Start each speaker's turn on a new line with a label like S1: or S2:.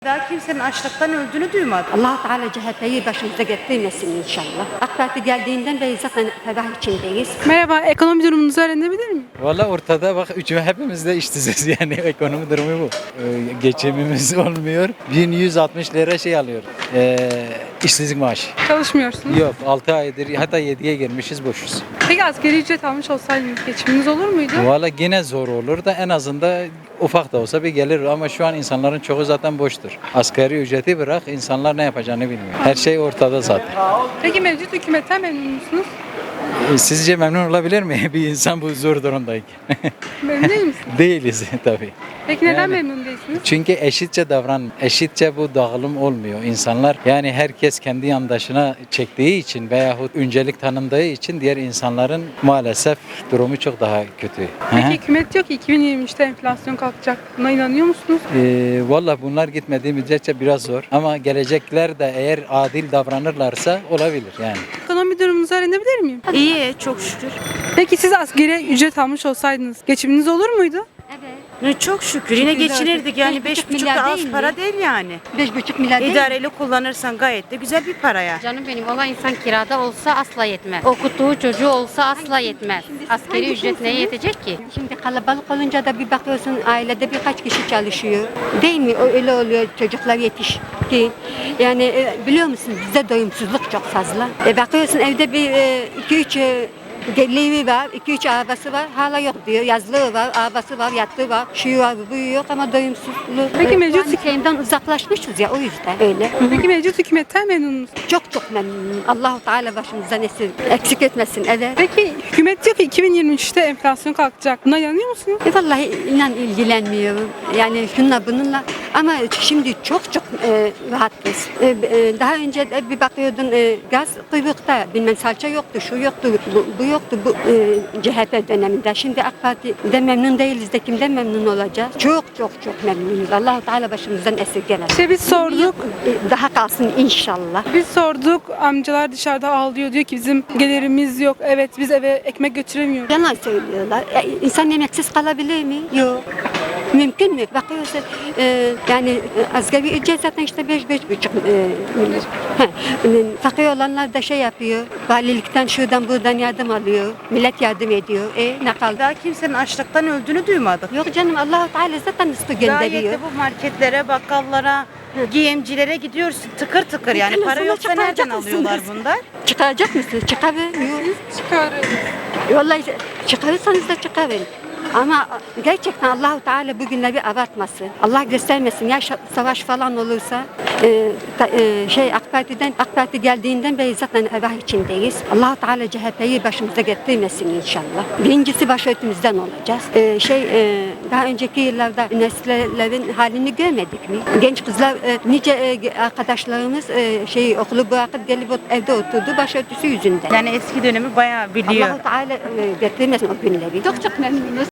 S1: Daha kimsenin açlıktan öldüğünü duymadım.
S2: Allah Teala CHP'yi başımıza getirmesin inşallah. AK Parti geldiğinden beri zaten ferah içindeyiz.
S3: Merhaba, ekonomi durumunuzu öğrenebilir miyim?
S4: Valla ortada bak hepimiz de işsiziz yani ekonomi durumu bu. Geçimimiz olmuyor. 1160 lira şey alıyor. İşsizlik maaşı.
S3: Çalışmıyorsunuz.
S4: Yok 6 aydır hatta 7'ye girmişiz boşuz.
S3: Peki asgari ücret almış olsaydınız geçiminiz olur muydu?
S4: Valla yine zor olur da en azından ufak da olsa bir gelir ama şu an insanların çoğu zaten boştur. Asgari ücreti bırak insanlar ne yapacağını bilmiyor. Her şey ortada zaten.
S3: Peki mevcut hükümetten memnun musunuz?
S4: Sizce memnun olabilir mi bir insan bu zor durumdayken?
S3: Memnun değil misiniz?
S4: Değiliz tabii.
S3: Peki neden
S4: Yani-
S3: memnun değilsiniz?
S4: Çünkü eşitçe eşitçe bu dağılım olmuyor. İnsanlar yani herkes kendi yandaşına çektiği için veyahut öncelik tanındığı için diğer insanların maalesef durumu çok daha kötü.
S3: Peki
S4: Hı hı.
S3: hükümet diyor ki 2023'te enflasyon kalkacak. Buna inanıyor musunuz?
S4: Valla bunlar gitmediği müddetçe biraz zor ama gelecekler de eğer adil davranırlarsa olabilir yani.
S3: Ekonomi durumunuzu öğrenebilir miyim?
S1: İyi, çok şükür.
S3: Peki siz asgari ücret almış olsaydınız geçiminiz olur muydu?
S1: Çok şükür. Yine
S2: Şükürler
S1: geçinirdik
S2: olsun.
S1: yani
S2: 5,5
S1: 5,5
S2: milyar
S1: da az
S2: değil mi?
S1: para değil yani.
S2: 5,5 milyar değil mi?
S1: İdareli kullanırsan gayet de güzel bir para ya.
S5: Canım benim olan insan kirada olsa asla yetmez. Okuttuğu çocuğu olsa asla yetmez. Asgari ücret neye yetecek ki?
S2: Şimdi kalabalık olunca da bir bakıyorsun ailede birkaç kişi çalışıyor. Değil mi? Öyle oluyor çocuklar yetişkin. Yani biliyor musun bizde doyumsuzluk çok fazla. Bakıyorsun evde bir 2-3 geliri var, 2-3 arabası var, hala yok diyor. Yazlığı var, arabası var, yattığı var, şu var, bu yok ama doyumsuzluğu.
S3: Peki mevcut
S2: Yani şeyinden uzaklaşmışız ya o yüzden öyle.
S3: Peki mevcut hükümetten memnun musunuz?
S2: Çok memnunum. Allah-u Teala başımızdan eksik etmesin. Evet.
S3: Peki hükümet diyor ki 2023'te enflasyon kalkacak. Buna inanıyor musunuz?
S2: Vallahi inan ilgilenmiyorum. Yani şunla bununla ama şimdi çok rahatız. Daha önce de bir bakıyordun gaz kuyrukta bilmem salça yoktu, şu yoktu, bu yoktu bu CHP döneminde. Şimdi AK Parti'de memnun değiliz de kimden memnun olacağız? Çok memnunuz. Allah-u Teala başımızdan esirgemesin.
S3: İşte biz sorduk.
S2: Daha kalsın inşallah.
S3: Biz sorduk, amcalar dışarıda ağlıyor, diyor ki bizim gelirimiz yok, evet biz eve ekmek götüremiyoruz.
S2: Yalan söylüyorlar. İnsan yemeksiz kalabilir mi? Yok. Mümkün mü? Bakıyorsun yani asgari ücret zaten işte 5,5 milyon. Fakir olanlar da şey yapıyor. Valilikten şuradan buradan yardım alıyor. Millet yardım ediyor. Ne kaldı?
S1: Daha kimsenin açlıktan öldüğünü duymadık.
S2: Yok canım Allah-u Teala zaten rızkı
S1: Gayet
S2: gönderiyor.
S1: de bu marketlere, bakkallara, giyimcilere gidiyorsun tıkır tıkır yani
S2: Televizyona
S1: para yoksa
S2: çıkaracak
S1: nereden alıyorlar
S2: mısınız?
S1: bundan?
S2: Çıkaracak mısınız? Çıkarın.
S3: Çıkarıyoruz.
S2: Vallahi çıkarırsanız da çıkarın. Ama gerçekten Allah-u Teala bugünleri abartmasın. Allah göstermesin. Ya savaş falan olursa AK Parti geldiğinden beri zaten refah içindeyiz. Allah-u Teala CHP'yi başımıza getirmesin inşallah. Birincisi başörtümüzden olacağız. Daha önceki yıllarda üniversitelerin halini görmedik mi? Genç kızlar nice arkadaşlarımız okulu bırakıp gelip evde oturdu başörtüsü yüzünden.
S1: Yani eski dönemi bayağı biliyor.
S2: Allah-u Teala getirmesin o günleri. Çok memnunuz.